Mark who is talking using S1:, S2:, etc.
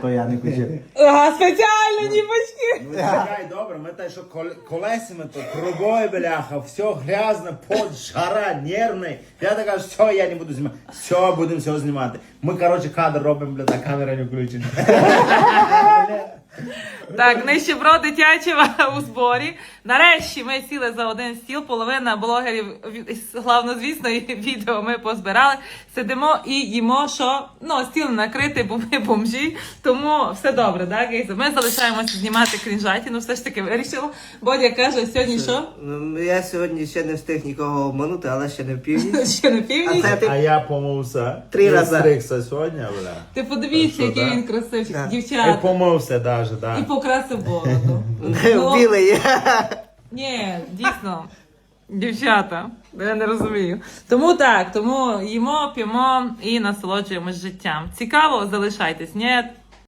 S1: то я не хотів.
S2: Ага, спеціально, дівочки.
S3: Ну чекай, добре, ми те, що колесами, то трубою, бляха, все грязно, пот, жара, нервний. Я така, все, я не буду знімати. Все, будемо все знімати. Ми, коротше, кадр робимо, бля, та камера не включена.
S2: Так, нищебро дитячого у зборі. Нарешті ми сіли за один стіл, половина блогерів, главнозвісно, і відео ми позбирали. Сидимо і їмо, що, ну, стіл накритий, бо ми бомжі, тому все добре, так, Гейза? Ми залишаємося знімати крінжатіну, все ж таки вирішила. Бодя каже, сьогодні що?
S4: Ну, я сьогодні ще не встиг нікого обманути, але ще не в північ.
S2: Ще на північ?
S4: А це ти
S3: А я помився.
S4: 3 рази.
S3: Стригся сьогодні, бля.
S2: Ти подивіться,
S3: Та що,
S2: який
S3: да?
S2: він красивчик,
S4: Да.
S3: І
S2: дівчата.
S3: помився навіть, так.
S2: І покрасив бороду.
S4: білий.
S2: Ні, дійсно, дівчата, я не розумію. Тому так, тому їмо, п'ємо і насолоджуємось життям. Цікаво, залишайтесь, ні?